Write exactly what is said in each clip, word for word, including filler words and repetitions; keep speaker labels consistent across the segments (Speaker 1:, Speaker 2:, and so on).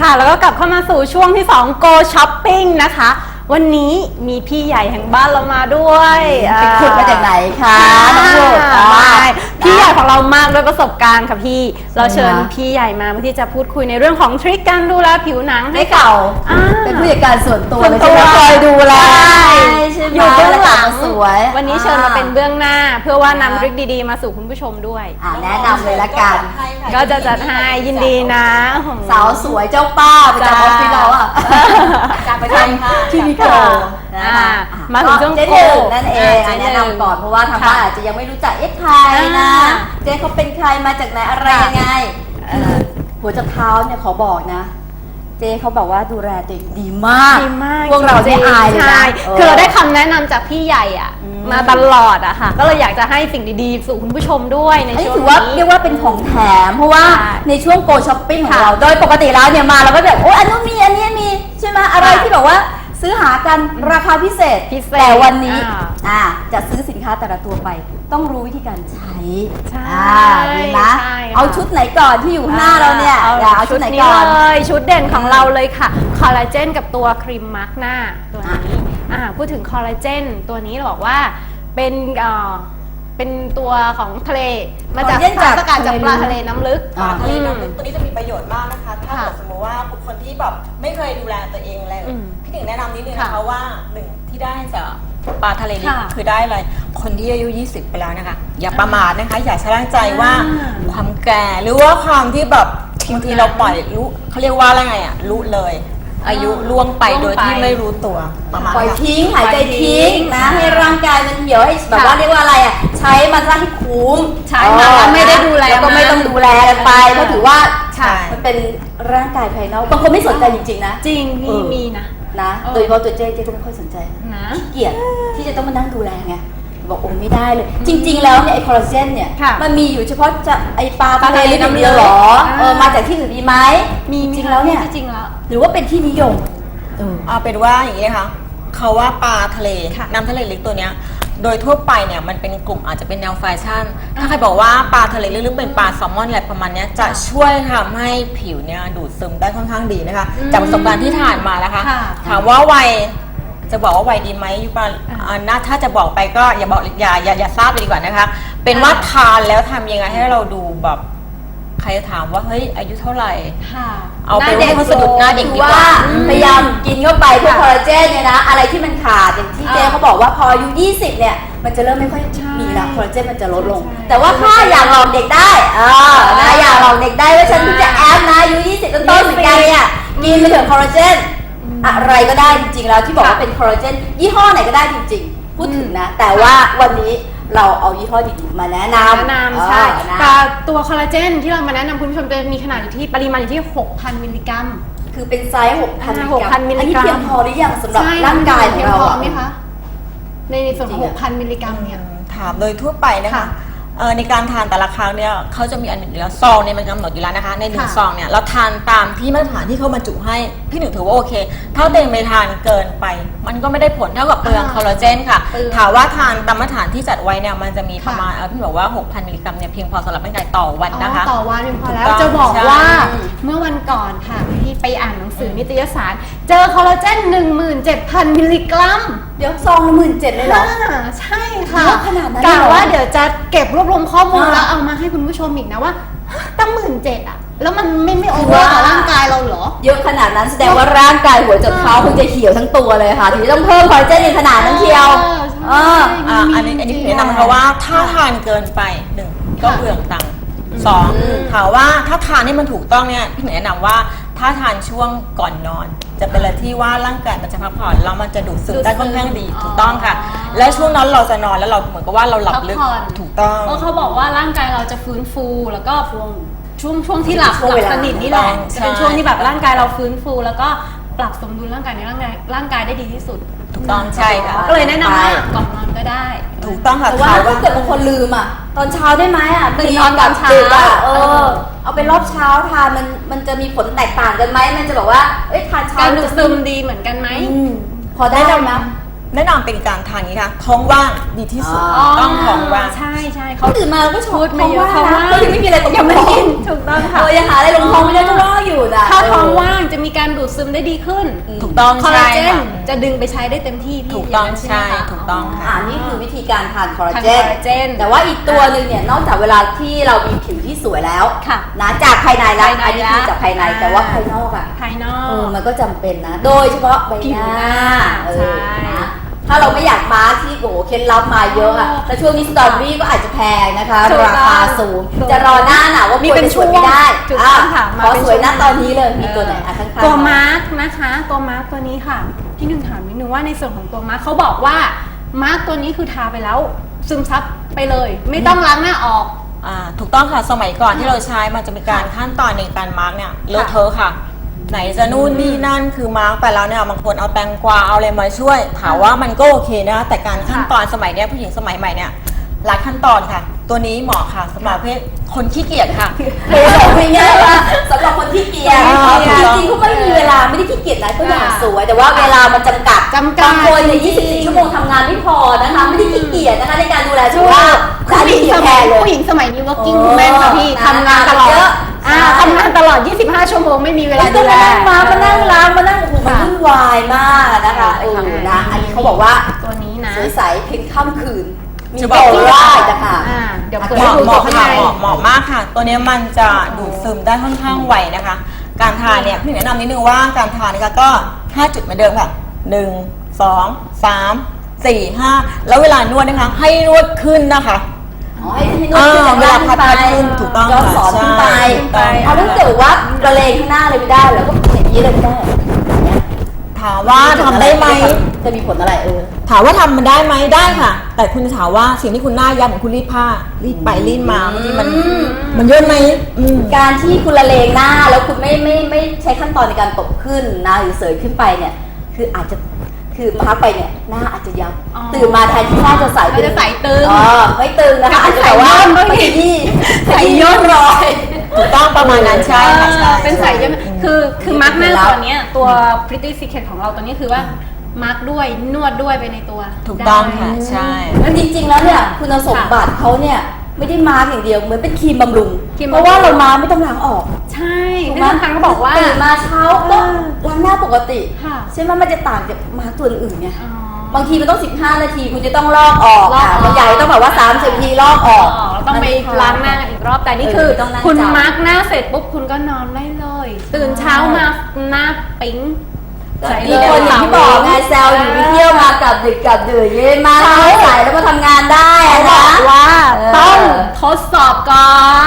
Speaker 1: ค่ะแล้วก็กลับเข้ามาสู่ช่วงที่สอง Go Shopping นะคะวันนี้มีพี่ใหญ่แห่งบ้านเรามาด้วย
Speaker 2: ไปขุดมาจากไหนคะน้องลูก
Speaker 1: พี่ใหญ่ของเรามากด้วยประสบการณ์ค่ะพี่เราเชิญพี่ใหญ่มาเพื่อที่จะพูดคุยในเรื่องของทริคการดูแลผิวหนังให้เก่า
Speaker 2: เป็นผู้จัดการส่วนตัวเลย
Speaker 1: ใช่ไหมคอยดูแล
Speaker 2: อยู่เบื้องหลังสวย
Speaker 1: วันนี้เชิญมาเป็นเบื้องหน้าเพื่อว่านำทริคดีๆมาสู่คุณผู้ชมด้วย
Speaker 2: แนะนำเลยละกัน
Speaker 1: ก็จะจัดให้ยินดีนะ
Speaker 2: สาวสวยเจ้าป้าประจำออฟฟิศเราอ่ะจากไปทำที่มิโก
Speaker 1: มาถึงช่วง
Speaker 2: โกนั่นเองแนะนำก่อนเพราะว่าทางบ้านอาจจะยังไม่รู้จักเอ๊ะใครนะเจ๊เขาเป็นใครมาจากไหนอะไรยังไงหัวจรดเท้าเนี่ยขอบอกนะเจ๊เขาบอกว่าดูแลตัวเองดีมากพวกเราได้อายเลยนะ
Speaker 1: คือเราได้คำแนะนำจากพี่ใหญ่อ่ะมาตลอดอะค่ะก็เลยอยากจะให้สิ่งดีๆสู่คุณผู้ชมด้วยในช่วงนี้
Speaker 2: ถือว่าเรียกว่าเป็นของแถมเพราะว่าในช่วงโกช้อปปิ้งของเราโดยปกติแล้วเนี่ยมาเราก็แบบโอ้อันนู้นมีอันนี้มีใช่ไหมอะไรที่แบบว่าซื้อหากันราคาพิเศษแต่วันนี้อ่าจะซื้อสินค้าแต่ละตัวไปต้องรู้วิธีการใช้
Speaker 1: ใช่
Speaker 2: นะเอาชุดไหนก่อนที่อยู่หน้าเราเนี่ยเอาชุดไหนก่อน
Speaker 1: เลยชุดเด่นของเราเลยค่ะคอลลาเจนกับตัวครีมมาร์กหน้าตัวนี้อ่าพูดถึงคอลลาเจนตัวนี้เราบอกว่าเป็นเอ่อเป็นตัวของทะเลมาจากสารสกัดจากปลาทะเลน้ำลึก
Speaker 3: ปลาทะเลน้ำลึกตัวนี้จะมีประโยชน์มากนะคะถ้าสมมติว่าบุคคลที่แบบไม่เคยดูแลตัวเองเลยพี่หนึ่งแนะนำนิดนึงนะคะว่าหนึ่งที่ได้จากปลาทะเลนี้คือได้อะไรคนที่อายุยี่สิบไปแล้วนะคะอย่าประมาทนะคะอย่าชะล่าใจว่าความแก่หรือว่าความที่แบบบางทีเราปล่อยรู้เขาเรียกว่าอะไรไงอ่ะรู้เลยอายุล่วงไปโดยที่ไม่รู้ตัวประมาณ
Speaker 2: ปล่อยทิ้งหายใจทิ้งนะให้ร่างกายมันเหี่ยวให้แบบว่าเรียกว่าอะไรอ่ะใช้มันซะให้คุ้ม
Speaker 1: ใช้มาแล้วไม่ได้ดูแล
Speaker 2: ก็ไม่ต้องดูแลกันไปเพราะถือว่ามันเป็นร่างกายภายนอกบางคนไม่สนใจจริงๆนะ
Speaker 1: จริงมีมีนะ
Speaker 2: นะโดยเฉพาะตัวเจ๊เจ๊ก็ไม่ค่อยสนใจนะขี้เกียจที่จะต้องมานั่งดูแลไงบอกโอ้ไม่ได้เลยจริงๆแล้วเนี่ยไอคอลลาเจนเนี่ยมันมีอยู่เฉพาะจะไอปลาทะเลน้ำลึกหรอเออมาจากที่อื่นมีไหม
Speaker 1: มี
Speaker 2: จริงแล้วเนี่ย
Speaker 1: จริงแล้ว
Speaker 2: หรือว่าเป็นที่นิยม
Speaker 3: เอาเป็นว่าอย่างนี้ค่ะเขาว่าปลาทะเลน้ำทะเลลึกตัวเนี้ยโดยทั่วไปเนี่ยมันเป็นกลุ่มอาจจะเป็นแนวแฟชั่นถ้าใครบอกว่าปลาทะเลลึกๆเป็นปลาแซลมอนอะไรประมาณนี้จะช่วยทำให้ผิวเนี่ยดูดซึมได้ค่อนข้างดีนะคะจากประสบการณ์ที่ผ่านมาแล้วค่ะถามว่าวัยจะบอกว่าวัยดีไหมยุปาน่าถ้าจะบอกไปก็อย่าบอกอย่าอย่าอย่าทราบไปดีกว่านะคะเป็นว่าทานแล้วทำยังไงให้เราดูแบบใครถามว่าเฮ้ยอายุเท่าไหร่เอาเป็นว่าเขาสะดุดหน้าเด็กดีกว่า
Speaker 2: พยายามกินเข้าไปพวกคอลลาเจนเนี่ยนะอะไรที่มันขาดอย่างที่เจ๊เขาบอกว่าพออายุยี่สิบเนี่ยมันจะเริ่มไม่ค่อยมีแล้วคอลลาเจนมันจะลดลงแต่ว่าถ้าอยากลองเด็กได้เออนะอยากลองเด็กได้ว่าฉันจะแอปนะอายุยี่สิบต้นๆเหมือนกันเนี่ยกินไปเถอะคอลลาเจนอะไรก็ได้จริงๆแล้วที่บอกว่าเป็นคอลลาเจนยี่ห้อไหนก็ได้จริงๆพูดถึงนะแต่ว่าวันนี้เราเอายี่ห้อดีๆมาแนะนำ
Speaker 1: แนะนำใช่แต่ตัวคอลลาเจนที่เรามาแนะนำคุณผู้ชมจะมีขนาดอยู่ที่ปริมาณอยู่ที่ หกพัน มิลลิกรัม
Speaker 2: คือเป็นไซส์ หกพัน มิลลิกรัมอันนี้เพียงพอหรือยังสำหรับร่างกายของเรา
Speaker 1: ไหมคะในส่วนของ หกพัน มิลลิกรัมเนี่ย
Speaker 3: ถามโดยทั่วไปนะคะในการทานแต่ละครั้งเนี่ยเขาจะมีอันหนึ่งอยู่แล้วซองเนี่ยมันกำหนดอยู่แล้วนะคะในหนึ่งซองเนี่ยเราทานตามที่มาตรฐานที่เขาบรรจุให้พี่หนึ่งถือว่าโอเคถ้าเต็มไปทานเกินไปมันก็ไม่ได้ผลเท่ากับเปลืองคอลลาเจนค่ะถามว่าทานตามมาตรฐานที่จัดไว้เนี่ยมันจะมีประมาณพี่บอกว่า หกพัน มิลลิกรัมเนี่ยเพียงพอสำหรับร่างกายต่อวันนะคะ
Speaker 1: ต่อวันเพียงพอแล้วจะบอกว่าเมื่อวันก่อนค่ะที่ไปอ่านหนังสือนิตยสารเจอคอลลาเจน หนึ่งหมื่นเจ็ดพัน มิลลิกรัม
Speaker 2: เดี๋ยวซองละหมื่นเจ็ดเลยเหรอ
Speaker 1: ใช่ค่ะ
Speaker 2: ขนาดนั้น
Speaker 1: กะว่าเดี๋ยวจะเก็บรวบรวมข้อมูลแล้วเอามาให้คุณผู้ชมอีกนะว่าตั้งหมื่นเจ็ดอ่ะแล้วมันไม่ไม่โอเวอร์กับร่างกายเราเหรอ
Speaker 2: เยอะขนาดนั้นแสดงว่าร่างกายหัวจนเท้าคงจะเหี่ยวทั้งตัวเลยค่ะถึงต้องเพิ่มคอลลาเจนในขนาดนั้นเชียว
Speaker 3: อ่าอันนี้อันนี้แนะนำนะคะว่าถ้าทานเกินไปหนึ่งก็เปลืองตังค์สองถามว่าถ้าทานให้มันถูกต้องเนี่ยพี่แนะนำว่าถ้าทานช่วงก่อนนอนจะเป็นอะไรที่ว่าร่างกายมันจะพักผ่อนแล้วมันจะดูดซึมได้ค่อนข้างดีถูกต้องค่ะและช่วงนั้นเราจะนอนแล้วเราเหมือนกับว่าเราหลับลึกถูกต้อง
Speaker 1: เพราะเขาบอกว่าร่างกายเราจะฟื้นฟูแล้วก็ช่วงช่วงที่หลับหลับสนิทนี่แหละจะเป็นช่วงที่แบบร่างกายเราฟื้นฟูแล้วก็ปรับสมดุลร่างกายในร่างกายร่างกายได้ดีที่สุด
Speaker 3: ถูกต้องใช่ค่ะ
Speaker 1: ก็เลยแนะนำว่าก่อนนอนก็ได้
Speaker 3: ถูกต้องค่ะ
Speaker 2: แต่ว่าถ้าเกิดบางคนลืมอ่ะตอนเช้าได้ไหมอ่ะ
Speaker 1: ตื่นนอนตอนเช้า
Speaker 2: เออเอาเป็นรอบเช้าทานมันมันจะมีผลแตกต่างกันไหมมันจะแบบว่าเอ้ยทานเช้า
Speaker 1: การดูดซึมดีเหมือนกันไหม
Speaker 2: พอได้ไหม
Speaker 3: แนะนำเป็นการทานนี้ค่ะท้องว่างดีที่สุดต้องท้องว่าง
Speaker 1: ใช่ใช่
Speaker 2: เขาตื่นมาแล้วก็ชด
Speaker 1: ท้องว่าง
Speaker 2: ก็ยังไม่มีอะไรตรงท้อง
Speaker 1: ถูกต้องค่ะ
Speaker 2: เออยังหาอะไรลงท้องไม่ได้ก็รออยู่นะ
Speaker 1: ถ้าท้องว่างจะมีการดูดซึมได้ดีขึ้น
Speaker 3: ถูกต้อง
Speaker 1: คอลลาเจ
Speaker 3: ใช่
Speaker 1: น
Speaker 3: ค่ะ
Speaker 1: จะดึงไปใช้ได้เต็มที่พี่
Speaker 3: ถูกต้อง
Speaker 1: ย่านั้น
Speaker 3: ใช่
Speaker 1: ไหมคะ
Speaker 3: ถูกต้องค่ะ
Speaker 2: อ่านี่คือวิธีการทานคอลลา
Speaker 1: ทาน
Speaker 2: เจ
Speaker 1: คอน ลลาเจน
Speaker 2: แต่ว่าอีกตัวหนึ่งเนี่ยนอกจากเวลาที่เรามีผิวที่สวยแล้ว
Speaker 1: ค่ะ
Speaker 2: นะจากภายในแล้ว
Speaker 1: ภายใน
Speaker 2: อันนี้คือจากภายใน
Speaker 1: อ่า
Speaker 2: แต่ว่าภายนอกอ่ะ
Speaker 1: ภายนอ
Speaker 2: เออก มันก็จำเป็นนะ โดยเฉพาะใบ
Speaker 1: ผิ
Speaker 2: ห
Speaker 1: ว
Speaker 2: น้า
Speaker 1: หน้า
Speaker 2: เออ
Speaker 1: ใช่
Speaker 2: นะถ้าเราไม่อยากมาร์คที่โอ้โหเคล็ดลับมาเยอะอะ
Speaker 1: โอ้
Speaker 2: แล้วช่วงนี้สตรอเบอรี่ก็อาจจะแพงนะคะ
Speaker 1: ถูกต้อง
Speaker 2: ราคาสูง
Speaker 1: ถูก
Speaker 2: จะรอหน้าหนาวว่า
Speaker 1: มี
Speaker 2: มี
Speaker 1: เป็น
Speaker 2: สวยไม่ได้
Speaker 1: ช่วงถูกต้องค่ะ
Speaker 2: อ่ะ
Speaker 1: มา
Speaker 2: ขอ
Speaker 1: เป็น
Speaker 2: สวยหน้า
Speaker 1: ช่วง
Speaker 2: ตอนนี้เลยมีตัวไหนอ่ะข้างๆ
Speaker 1: ตัว
Speaker 2: หน่อย
Speaker 1: มาร์กนะคะ ตัวมาร์กตัวนี้ค่ะพี่หนึ่งถามนิดนึงว่าในส่วนของตัวมาร์กเขาบอกว่ามาร์กตัวนี้คือทาไปแล้วซึมซับไปเลย ไม่ต้องล้างหน้าออก
Speaker 3: อ่าถูกต้องค่ะสมัยก่อนที่เราใช้มันจะมีการขั้นตอนในการมาร์กเนี่ยเลอะเทอะค่ะ ไหนจะนู่นนี่นั่นคือมาร์กไปแล้วเนี่ยบางคนเอาแตงกวาเอาอะไรมาช่วยถามว่ามันก็โอเคนะแต่การขั้นตอนสมัยเนี้ยผู้หญิงสมัยใหม่เนี่ยหลายขั้นตอนค่ะ ตัวนี้เหมาะค่ะสำหรับเพศคนขี้เกียจค่ะ
Speaker 2: เลยบอกง่ายๆว่าสำหรับคนที่เกียจ
Speaker 3: อ่า
Speaker 2: จริงๆเขาไม่มีเวลาไม่ได้ขี้เกียจนะก็อยากสวย แต่ว่าเวลามันจำกัด
Speaker 1: จำกัด
Speaker 2: บางคนเนี่ย
Speaker 1: จริงๆ
Speaker 2: ยี่สิบสี่ชั่วโมงทำงานไม่พอนะคะ ไม่ได้ขี้เกียจนะคะในการดูแลสุ
Speaker 1: ถู
Speaker 2: ข
Speaker 1: ก
Speaker 2: ภาพ
Speaker 1: ผู้หญิงส
Speaker 2: แพ
Speaker 1: มัย
Speaker 2: งเลย
Speaker 1: ผู้หญิงสมัยนี้ working
Speaker 2: โอ้
Speaker 1: woman ค่ะพี่
Speaker 2: นะ
Speaker 1: ทำงานตลอด
Speaker 2: เยอะ
Speaker 1: อ่า
Speaker 2: ใช่
Speaker 1: ทำงานตลอด ยี่สิบห้า ชั่วโมงไม่มีเวลา
Speaker 2: ไม่
Speaker 1: ดู
Speaker 2: ต้อง
Speaker 1: แล
Speaker 2: มานั่งมามานั่งล้างมานั่งโอ้โหมัน
Speaker 1: ค่ะ
Speaker 2: วุ่นวายมากนะคะเออนะอันนี้เขาบอกว่า
Speaker 1: ตัวนี้นะ
Speaker 2: สวยใสเพียงค่ำคืน มี
Speaker 3: จะ
Speaker 2: บบ อ
Speaker 3: อก ก
Speaker 2: ว่า
Speaker 3: ว่า
Speaker 2: จะค่ะ
Speaker 1: อ่าเดี๋ยวเปิด
Speaker 3: เห
Speaker 1: ให้
Speaker 3: มาะ
Speaker 1: ดู
Speaker 3: เห
Speaker 1: ตัว
Speaker 3: มาะ
Speaker 1: ข้าง
Speaker 3: ค่ะ
Speaker 1: ใน
Speaker 3: เหมาะเหมาะมากค่ะ ตัวนี้มันจะดูดซึมได้ค่อนข้างไวนะคะ การทานเนี่ยพี่แนะนำนิดนึงว่าการทานนะคะก็ห้าจุดเหมือนเดิมค่ะหนึ่ง สอง สาม สี่ ห้าแล้วเวลานวดนะคะให้นวดขึ้นนะคะ
Speaker 2: อ๋อให้ที่นวดขึ้นจาก
Speaker 3: เว
Speaker 2: ล่า
Speaker 3: ลาง พัด
Speaker 2: ขึ้นไป
Speaker 3: ขึ้นถูกต้อง
Speaker 2: ย้อนสอน
Speaker 3: ค่ะ
Speaker 2: ขึ้นไป
Speaker 3: ใช่
Speaker 2: เอาถ้าเกิดว่าระเลงข้างหน้าเลยไม่ได้แล้วก็อย่างนี้เลยไม่ได้อย่างเงี้ย
Speaker 3: ถามว่าทำได้ไหม
Speaker 2: จะมีผลอะไรเออ
Speaker 3: ถามว่าทำมันได้ไหมได้ค่ะ แต่คุณจะถามว่าสิ่งที่คุณหน้าย้ำเหมือนคุณรีดผ้ารีดไปรีดมาบางทีมัน
Speaker 2: อืม
Speaker 3: มันย่นไหมอืม
Speaker 2: การที่คุณละเลงหน้าแล้วคุณไม่ไม่ไม่ใช้ขั้นตอนในการตบขึ้นนะหรือเสยขึ้นไปเนี่ย คืออาจจะคือพักไปเนี่ยหน้าอาจจะยับ
Speaker 1: อ๋อ
Speaker 2: ตื่นมาแทนที่หน้าจะใส
Speaker 1: มันจะใสตึง
Speaker 2: อ๋อไม่ตึงนะคะอาจจะแบบว่า
Speaker 1: ใส่ย่น
Speaker 2: ไม่ที่
Speaker 1: ใส่ย่น
Speaker 2: รอย
Speaker 3: ถูกต้องประมาณนั้นใช่ค่ะใช่
Speaker 1: เออเป็นสายเยอะ
Speaker 3: ใช่
Speaker 1: คือคือ
Speaker 2: นี่
Speaker 1: มาร์กหน้า
Speaker 2: เคล็ดลับ
Speaker 1: ตัวเนี้ยตัว Pretty Secret ของเราตัวนี้คือว่ามาร์กด้วยนวดด้วยไปในตัว
Speaker 3: ถูกต้องค่ะ
Speaker 1: ได้
Speaker 3: ใช่
Speaker 2: แล้วจริงๆ แล้วเนี่ยคุณสมบัติเขาเนี่ยไม่ได้มาร์กอย่างเดียวเหมือนเป็นครีมบำรุง
Speaker 1: ครีม
Speaker 2: เพ
Speaker 1: บำรุง
Speaker 2: ราะว่าเรามาร์กไม่ต้องล้างออก
Speaker 1: ใช่
Speaker 2: ถูก
Speaker 1: ที่
Speaker 2: ไหม
Speaker 1: สำคัญเขาบอกว่า
Speaker 2: ตื่นมาเช้าก็ล้างหน้าปกติ
Speaker 1: ค่ะ
Speaker 2: ใช่ไหมมันจะต่างจากมาร์กตัวอื่นไง
Speaker 1: อ๋อ
Speaker 2: บางทีมันต้องสิบห้านาทีคุณจะต้องลอกออก
Speaker 1: ลอกออก
Speaker 2: อ่ะบางใหญ่ต้องแบบว่าสามสิบนาทีลอกออก
Speaker 1: อ๋อต้องไปล้างหน้ากันอีกรอบแต่นี่คือ
Speaker 2: เออต้องนั่ง
Speaker 1: คุณ
Speaker 2: จับ
Speaker 1: มาร์กหน้าเสร็จปุ๊บคุณก็นอนได้เลย ตื่นเช้ามาหน้าปิ๊งใส
Speaker 2: มี
Speaker 1: เลย
Speaker 2: คนอย่างที่บอกไงแซวอยู่ไปเที่ยวมากับดึกกับดื่นเย็นมาแล้วใส่แล้วมาทำงานได้
Speaker 1: เขา
Speaker 2: อะ
Speaker 1: บ
Speaker 2: นะ
Speaker 1: อกว่า
Speaker 2: เออ
Speaker 1: ต้องทดสอบก่อน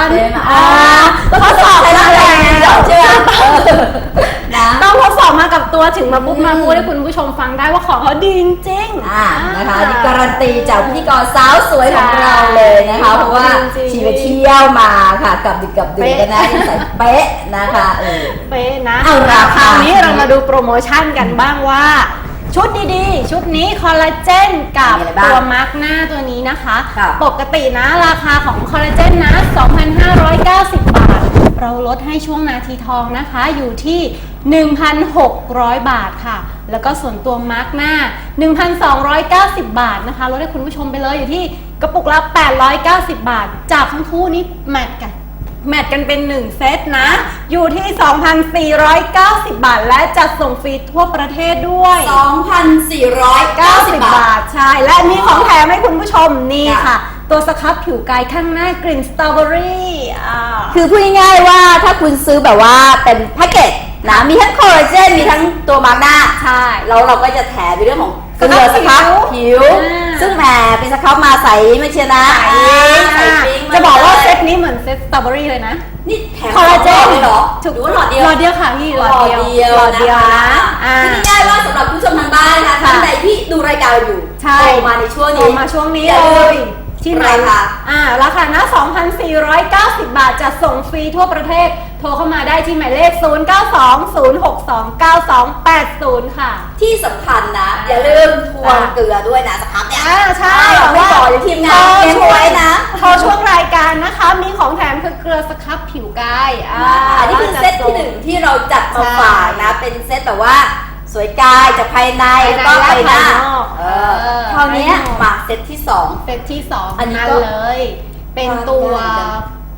Speaker 2: เห็นไหม
Speaker 1: อ่า
Speaker 2: ก็ทดสอบใช้ร่างกายก่อนใช่ไหมนะ
Speaker 1: ต้องทดสอบมากับตัวถึงมาปุ๊บมาพูดให้คุณผู้ชมฟังได้ว่าของเขาดีจริงๆ
Speaker 2: อ่านะคะนี่การันตีจากพิธีกรสาวสวยของเราเลยนะคะ เพราะว่า
Speaker 1: จริงๆ
Speaker 2: ชีไปเที่ยวมาค่ะกับดึกกับดื่นกันนะใส่เป๊ะนะคะเออ
Speaker 1: เป๊ะนะ
Speaker 2: เอาราคา
Speaker 1: คราวนี้เรามาดูโปรโมชั่นกันบ้างว่า ชุดดีๆ ชุดนี้คอลลาเจนกับ
Speaker 2: มีอะไรบ้าง
Speaker 1: ตัวมาร์กหน้าตัวนี้นะคะ
Speaker 2: ค่ะ
Speaker 1: ปกตินะราคาของคอลลาเจนนะ สองพันห้าร้อยเก้าสิบ บาท เราลดให้ช่วงนาทีทองนะคะอยู่ที่ หนึ่งพันหกร้อย บาทค่ะ แล้วก็ส่วนตัวมาร์กหน้า หนึ่งพันสองร้อยเก้าสิบ บาทนะคะลดให้คุณผู้ชมไปเลยอยู่ที่กระปุกละแปดร้อยเก้าสิบ บาท จากทั้งคู่นี้แมทกัน แมทกันเป็นหนึ่งเซตนะ อยู่ที่ สองพันสี่ร้อยเก้าสิบ บาท และจัดส่งฟรีทั่วประเทศด้วย
Speaker 2: สองพันสี่ร้อยเก้าสิบบาท
Speaker 1: บาท ใช่ และมีของแถมให้คุณผู้ชมนี่
Speaker 2: ค่ะ
Speaker 1: ค่ะ ตัวสครับผิวกายข้างหน้ากลิ่นสตรอเบอรี่อ่า
Speaker 2: คือพูดง่ายๆว่าถ้าคุณซื้อแบบว่าเป็นแพ็กเกจนะมีทั้งคอลลาเจนมีทั้งตัวมาร์กหน้า
Speaker 1: ใช่
Speaker 2: แล้วเราก็จะแถมในเรื่องของเกลือ
Speaker 1: ส
Speaker 2: ส
Speaker 1: ค
Speaker 2: ค
Speaker 1: รั
Speaker 2: รั
Speaker 1: บบ ผิ
Speaker 2: ผิ
Speaker 1: ว
Speaker 2: ว
Speaker 1: อ่า
Speaker 2: ซึ่งแหมเป็นสครับมาใสไม่เชียวนะ
Speaker 1: ใส่
Speaker 2: ใส่ปิ๊งม
Speaker 1: จะบอกว่า
Speaker 2: ลย
Speaker 1: เซตนี้เหมือนเซตสตรอเบอรี่เลยนะ
Speaker 2: นี่แถม
Speaker 1: คอลลาเจน
Speaker 2: เลยเหรอ
Speaker 1: ถูก
Speaker 2: หรือว่าหลอดเดียว
Speaker 1: หลอดเดียวค่ะพี่
Speaker 2: หลอดเดียว
Speaker 1: หลอดเดียว
Speaker 2: นะ
Speaker 1: นะคะ อ่า
Speaker 2: คือง่ายๆว่าสำหรับผู้ชมทางบ้านนะคะ
Speaker 1: ค่ะ
Speaker 2: ท่านใดที่ดูรายการอยู่
Speaker 1: ใช่
Speaker 2: โทรมาในช่วง
Speaker 1: โทร
Speaker 2: นี้
Speaker 1: มาช่วงนี้
Speaker 2: อย่า
Speaker 1: เล
Speaker 2: ลืม
Speaker 1: ยที่ไหน
Speaker 2: ราคา
Speaker 1: อ่าราคานะ สองพันสี่ร้อยเก้าสิบ บาทจะส่งฟรีทั่วประเทศ โทรเข้ามาได้ที่หมายเลข ศูนย์ เก้า สอง ศูนย์ หก สอง เก้า สอง แปด ศูนย์ ค่ะ
Speaker 2: ที่สำคัญนะ อย่าลืมทวงเกลือด้วยนะสครับเนี่ย
Speaker 1: อ่าใช่
Speaker 2: อ่าไม่บอกอยู่ทีมงานเก็บไว้นะ
Speaker 1: โทรช่วงรายการนะคะ มีของแถมคือเกลือสครับผิวกายอ่า
Speaker 2: อันนี้คือเซตที่หนึ่งที่เราจัดมาฝากนะ เป็นเซตแบบว่าสวยกายจากภายใน
Speaker 1: ภายใน
Speaker 2: แล้วก็ภายหน้า
Speaker 1: และภายนอก
Speaker 2: เอ
Speaker 1: เอ
Speaker 2: อ
Speaker 1: อ
Speaker 2: คราวเนี้ยมาเซตที่สอง
Speaker 1: เซตที่สอง
Speaker 2: อันนี้
Speaker 1: นั่น
Speaker 2: ก็
Speaker 1: เลย เป็นตัว
Speaker 2: ได้เหมือนกัน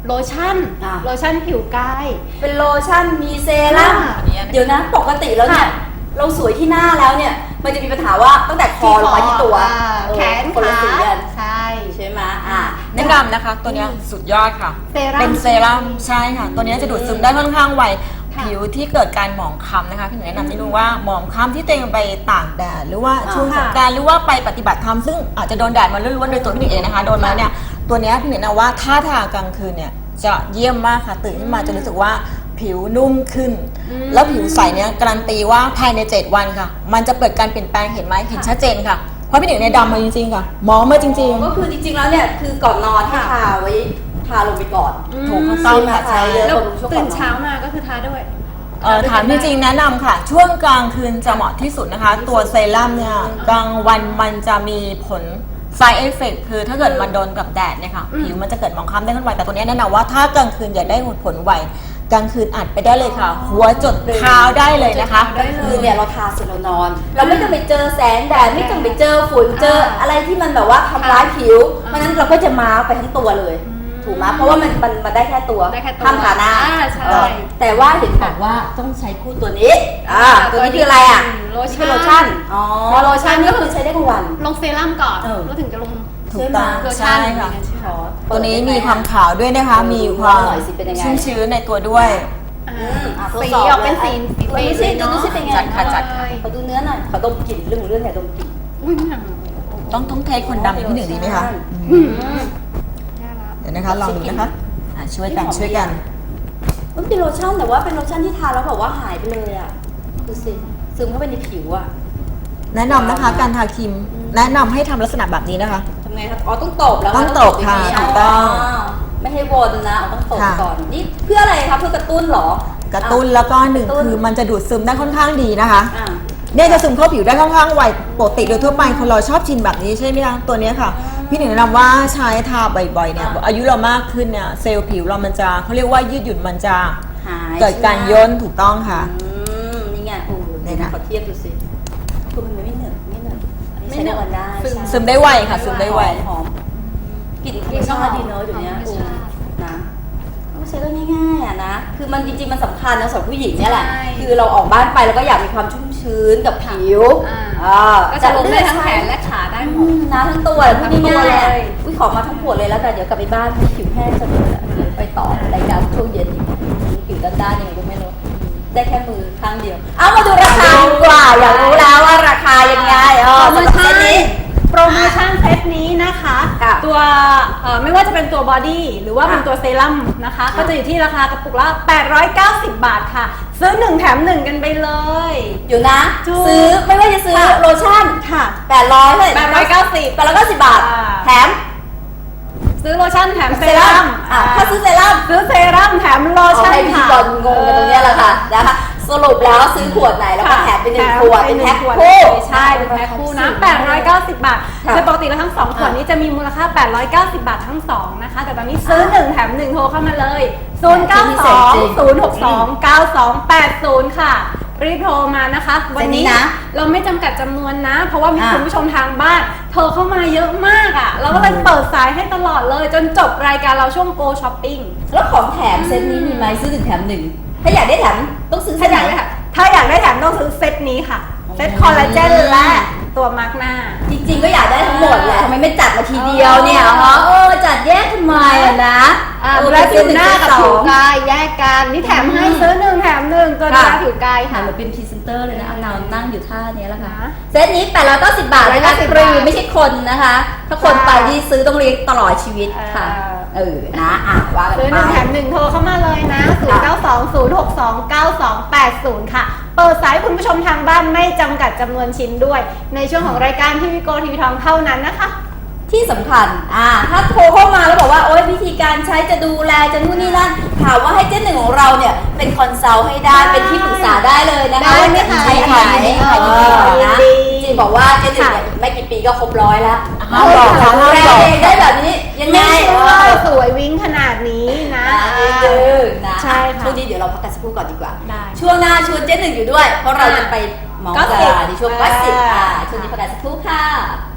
Speaker 1: โลชั่น
Speaker 2: อ่ะ
Speaker 1: โลชั่นผิวกาย
Speaker 2: เป็นโลชั่นมีเซรั่ม
Speaker 1: อ่า
Speaker 2: เดี๋ยวนะปกติแล้วเนี่ย
Speaker 1: ค่ะ
Speaker 2: เราสวยที่หน้าแล้วเนี่ย มันจะมีปัญหาว่าตั้งแต่คอลงมาที่ตัว
Speaker 1: อ่า
Speaker 2: เออ
Speaker 1: แขน
Speaker 2: คนละ
Speaker 1: ขา
Speaker 2: สีกัน
Speaker 1: ใช่
Speaker 2: ใช่ไหมอ่ะ
Speaker 3: แนะนำนะคะตัวเนี้ยสุดยอดค่ะ
Speaker 1: เซรั่ม
Speaker 3: เป็นเซรั่มใช่ค่ะ ตัวเนี้ยจะดูดซึมได้ค่อนข้างไว
Speaker 1: ค่ะ
Speaker 3: ผิวที่เกิดการหมองคล้ำนะคะพี่หนูแนะนำนิดนึงว่าหมองคล้ำที่ตัวเองไปตากแดดหรือว่า
Speaker 2: อ่า
Speaker 3: ช่วงสงกรานต์หรือว่าไปปฏิบัติธรรมซึ่งอาจจะโดนแดดมาล้วนๆโดยตัวพี่หนูเองนะคะโดนมาเนี่ยตัวเนี้ยพี่หนูแนะนำว่าถ้าทากลางคืนเนี่ยจะเยี่ยมมากค่ะตื่นขึ้นมาจะรู้สึกว่าผิวนุ่มขึ้น แล้วผิวใสเนี่ยการันตีว่าภายในเจ็ดวันค่ะ มันจะเกิดการเปลี่ยนแปลงเห็นไหมเห็นชัดเจนค่ะเพราะพี่หนูเนี่ยดำมาจริงๆค่ะมองมาจริงๆ
Speaker 2: ก็คือจริงๆแล้วเนี่ยคือก่อนนอนให้ทาไว้ทาลงไปก่อน
Speaker 3: ถูกต้องค่ะ
Speaker 2: ใช่
Speaker 3: ใช่
Speaker 2: ไหม
Speaker 1: แล้ว
Speaker 2: บำรุงช่วงก่
Speaker 1: ตื่
Speaker 2: อน
Speaker 1: น
Speaker 2: นอน
Speaker 1: เช้ามาก็คือทาด้วย
Speaker 3: เอ่อถามจริงๆแนะนำค่ะ ช่วงกลางคืนจะเหมาะที่สุดนะคะ ตัวเซรั่มเนี่ยกลางวันมันจะมีผล side effect คือถ้าเกิดมันโดนกับแดดเนี่ยค่ะ
Speaker 1: อืม
Speaker 3: ผิวมันจะเกิดหมองคล้ำได้ค่อนไวแต่ตัวเนี้ยแนะนำว่าถ้ากลางคืนอยากได้ผลไวกลางคืนอัดไปได้เลยค่ะ หัวจดเท้าได้เลยนะคะ
Speaker 1: ได้เล
Speaker 2: คือย เนี่ยเราทาเสร็จเรานอน เราไม่ต้องไปเจอแสงแดดไม่ต้องไปเจอฝุ่นเจออะไรที่มันแบบว่าทำร้ายผิวเพราะฉะนั้นเราก็จะมาร์คไปทั้งตัวเลย ถูกไหมเพราะว่ามันมันมันได้แค่ตัว
Speaker 1: ได้แค่ตัว
Speaker 2: ทำฐานะ
Speaker 1: อ่าใช่
Speaker 2: เออแต่ว่าเห็นบอกว่าต้องใช้คู่ตัวนี้อ่า
Speaker 1: อ่า
Speaker 2: ตัวนี้คืออะไรอ่ะ
Speaker 1: โลชั่น
Speaker 2: คือโลชั่นอ๋อโลชั่นนี่ก็คือใช้ได้ทั้งวัน
Speaker 1: ลงเซรั่มก่อน
Speaker 2: เออ
Speaker 1: แล้วถึงจะลง
Speaker 3: ถูกต้อง
Speaker 1: โลชั่น
Speaker 3: ใช่ค่ะ
Speaker 1: ใช่
Speaker 3: ตัวนี้มีความขาวด้วยนะคะ มีความ
Speaker 2: หน่อยสิเป็นยังไง
Speaker 3: ชุ่มชื้นในตัวด้วย
Speaker 1: อ่า
Speaker 2: อืมอ่ะทด
Speaker 1: สี
Speaker 2: สอบ
Speaker 1: ออกเป็นสี
Speaker 2: เลย
Speaker 1: สี
Speaker 2: ดูสิดูสิเป็นไง
Speaker 3: จัดค่ะจัดค่ะ
Speaker 2: ขอดูเนื้อหน่อยขอดมกลิ่นเรื่องของเรื่องเนี่ยดมกลิ่น
Speaker 1: อุ้ยหนัง
Speaker 3: ต้องต้องเทคคนดำอย่างพี่หนึ่งดีไหมคะ
Speaker 1: อืมแย่ละ
Speaker 3: เดี๋ยวนะคะลองดูนะคะอ่ะช่วยกันช่วยกัน
Speaker 2: มันเป็นโลชั่นแต่ว่าเป็นโลชั่นที่ทาแล้วแบบว่าหายไปเลยอ่ะดูสิซึมเข้าไปในผิวอ่ะ
Speaker 3: แนะนำนะคะการทาครีมแนะนำให้ทำลักษณะแบบนี้นะคะ
Speaker 2: ทำไงครับอ๋อต้องตบแล้ว
Speaker 3: ต้องตบค่ะ
Speaker 2: ย่า
Speaker 3: ถู
Speaker 2: นี้
Speaker 3: กต้อง
Speaker 2: ไม่ให้วนนะอ๋อต้องตบ
Speaker 3: ค่ะ
Speaker 2: ก่อนนี่เพื่ออะไรครับเพื่อกระตุ้นเหรอก
Speaker 3: ระตุ้นแล้วก็หนึ่ง
Speaker 2: กระตุ้น
Speaker 3: คือมันจะดูดซึมได้ค่อนข้างดีนะคะ
Speaker 2: อ่า
Speaker 3: เนี่ยจะซึมเข้าผิวได้ค่อนข้างไวปกติโดยทั่วไปคนเราชอบชินแบบนี้ใช่ไหมคะตัวเนี้ยค่ะ พี่หนึ่งแนะนำว่าใช้ทาบ่อยๆเนี่ยอายุเรามากขึ้นเนี่ยเซลล์ผิวเรามันจะเขาเรียกว่ายืดหยุ่นมันจะ
Speaker 2: หาย
Speaker 3: เกิดการ
Speaker 2: ใช่ไหม
Speaker 3: ย่นถูกต้องค่ะ
Speaker 2: อืมนี่ไงโอ้โห
Speaker 3: เนี่ยค่ะ
Speaker 2: ขอเทียบดูสิคือมันไม่เหนอะไม่เหนอะอันนี้ใช้ได้วันได้
Speaker 1: ซึม
Speaker 2: ใช่
Speaker 3: ซึมได้ไวค่ะซึมได้ไว
Speaker 2: หอมกลิ่นธรรมชาติดีเนอะเดี๋ยวนี้
Speaker 1: ธรรม
Speaker 2: โอ้
Speaker 1: ชาติ
Speaker 2: นะต้องใช้ได้ง่ายๆอ่ะนะ คือมันจริงๆมันสำคัญนะสำหรับผู้หญิงเนี่ยแหละ
Speaker 1: ใช่
Speaker 2: คือเราออกบ้านไปแล้วก็อยากมีความชุ่มชื้นกับผิว
Speaker 1: อ่า
Speaker 2: อ่า
Speaker 1: ก็จะลงได้ทั้งแขนและขาได้หม
Speaker 2: อื
Speaker 1: ด
Speaker 2: มนะทั้งตัวพูดง่ายๆอะอุ้ยขอมาทั้งขวดเลยแล้วแต่เดี๋ยวกลับไปบ้านผิวแห้งจะเลยอะเดี๋ยวไปต่อรายการช่วงเย็นอีกผิวด้านๆยังไงก็ไม่รู้ได้แค่มือข้างเดียว เอามาดูราคาดีกว่า อยากรู้แล้วว่าราคายังไงอ๋อ
Speaker 1: โปรโม
Speaker 2: สำหรับ
Speaker 1: ชั่
Speaker 2: เซ
Speaker 1: น
Speaker 2: ตนี้
Speaker 1: โปรโมชั่นเซตนี้นะคะ
Speaker 2: ค่ะ
Speaker 1: ตัวเอ่อไม่ว่าจะเป็นตัวบอดี้หรือว่าเป็นตัวเซรั่มนะคะ ก็จะอยู่ที่ราคากระปุกละ แปดร้อยเก้าสิบ บาทค่ะ ซื้อหนึ่งแถมหนึ่งกันไปเลย
Speaker 2: อยู่นะ
Speaker 1: ถูก
Speaker 2: ซื้อไม่ว่าจะซื้อ
Speaker 1: ค่ะ
Speaker 2: โลชั่น
Speaker 1: ค่ะ
Speaker 2: แปดร้อยเลย
Speaker 1: แปดร้อยเก้าสิบ
Speaker 2: แปดร้อยเก้าสิบบาท
Speaker 1: อ่า
Speaker 2: แถม
Speaker 1: ซื้อโลชั่นแถมเซ
Speaker 2: เซรั่
Speaker 1: รั่
Speaker 2: ม
Speaker 1: ม
Speaker 2: อ่ะถ้าซื้อเซรั่ม
Speaker 1: ซื้อเซรั่มแถมโล
Speaker 2: เอา
Speaker 1: ชั่น
Speaker 2: ให้พิธี
Speaker 1: ค่ะ
Speaker 2: กรงงกันตรงเนี้ยแหละค่ะนะคะสรุปแล้วซื้อขวดไหนแล้วก็แถมไปหนึ่งขวดเป็นแพ็คคู่
Speaker 1: ใช่เป็นแพ็คคู่นะแปดร้อยเก้าสิบบาท
Speaker 2: ค่ะ
Speaker 1: โดยปกติแล้วทั้งสองขวดนี้จะมีมูลค่าแปดร้อยเก้าสิบบาททั้งสองนะคะ แต่ตอนนี้ซื้อหนึ่งแถมหนึ่งโทรเข้ามาเลยศูนย์ เก้า สอง ศูนย์ หก สอง เก้า สอง แปด ศูนย์ ค่ะ รีบโทรมานะคะ วันนี้
Speaker 2: เดี๋ยวนี้นะ
Speaker 1: เราไม่จำกัดจำนวนนะ เพราะว่ามี
Speaker 2: อ่ะ
Speaker 1: คุณผู้ชมทางบ้านโทรเข้ามาเยอะมากอ่ะ เราก็เลยเปิดสายให้ตลอดเลย จนจบรายการเราช่วง Go Shopping
Speaker 2: แล้วของแถมเซตนี้มีไหมซื้อหนึ่งแถมหนึ่งถ้าอยากได้แถมต้องซื้อเซ
Speaker 1: ถ้า
Speaker 2: ต
Speaker 1: อ
Speaker 2: ไหน
Speaker 1: ยากได้ถ้าอยากได้แถมต้องซื้อเซตนี้ค่ะ เซตคอลลาเจนและตัวมาร์กหน้า
Speaker 2: จริงๆก็อยากได้ทั้งหมดแหละทำไมไม่จัดมาทีเดียวเนี่ย
Speaker 1: อ๋อ
Speaker 2: ฮะเออจัดแยกทำไมอะนะ
Speaker 1: อ่า
Speaker 2: เออ
Speaker 1: ดูแลผิวหน้ากับ
Speaker 2: สอ
Speaker 1: ผิว
Speaker 2: ง
Speaker 1: กายแยกกันนี่แถมให้ซื้อหนึ่งแถมหนึ่งตัวดูแล
Speaker 2: ค่ะ
Speaker 1: ผิวกาย
Speaker 2: ค่ะ
Speaker 1: ค่ะ
Speaker 2: เราเป็นพรีเซนเตอร์เลยนะเอานาวนั่งอยู่ท่านี้แล้วค่ะ
Speaker 1: นะ
Speaker 2: เซตนี้แปดร้อยเก้าสิบบาทนะคะ
Speaker 1: แปดร้อยเก้าสิบ
Speaker 2: ฟรี
Speaker 1: บาท
Speaker 2: ไม่ใช่คนนะคะ ถ้าคน
Speaker 1: ใช่
Speaker 2: ไปที่ซื้อต้องเลี้ยงตลอดชีวิตค่ะ
Speaker 1: เออ
Speaker 2: เออ นะอ่ะว่ากัน
Speaker 1: ซื้อหนึ่ง
Speaker 2: ไป
Speaker 1: แถมหนึ่งโทรเข้ามาเลยนะ ศูนย์ เก้า สอง ศูนย์ หก สอง เก้า สอง แปด ศูนย์ ค่ะ เปิดสายคุณผู้ชมทางบ้านไม่จำกัดจำนวนชิ้นด้วย ในช่วงของรายการทีวีโกทีวีทองเท่านั้นนะคะ
Speaker 2: ที่สำคัญ อ่า ถ้าโทรเข้ามาแล้วบอกว่า โอ๊ยวิธีการใช้จะดูแลจะนู่นนี่นั่น ถามว่าให้เจ๊หนึ่งของเราเนี่ย เป็นคอนซัลท์ให้ได้
Speaker 1: ได้
Speaker 2: เป็นที่ปรึกษาได้เลยนะคะ
Speaker 1: ได้ไหมคะ
Speaker 2: ใช้อันไหน
Speaker 3: ยินดี
Speaker 2: เอ
Speaker 3: ค่ะ
Speaker 2: อ
Speaker 1: ยิน
Speaker 2: นะ
Speaker 1: ดี
Speaker 2: จริงบอกว่าเจ๊หนึ่ง
Speaker 1: ค่ะ
Speaker 2: เนี่ยอีกไม่กี่ปีก็ครบร้อยแล้ว
Speaker 3: ห้ามบอกค่ะห้าม
Speaker 2: แร
Speaker 3: บอก
Speaker 2: เองได้แบบนี้ยังไง
Speaker 1: ไม่
Speaker 2: เอ
Speaker 1: ใช่ว่า
Speaker 2: อ
Speaker 1: สวยวิ้งขนาดนี้นะ
Speaker 2: นะเออนะ
Speaker 1: ใช่ค่ะ
Speaker 2: ช่วงนี้เดี๋ยวเราพักกันสักครู่ก่อนดีกว่า
Speaker 1: ได้
Speaker 2: ช่วงหน้าชวนเจ๊หนึ่งอยู่ด้วย เพราะเราจะไปเมอง
Speaker 1: ก็
Speaker 2: ดา
Speaker 1: สิบ
Speaker 2: ราในช่วงก็สิบ
Speaker 1: อ่า
Speaker 2: อ่าช่วงนี้พักกันสักครู่ค่ะ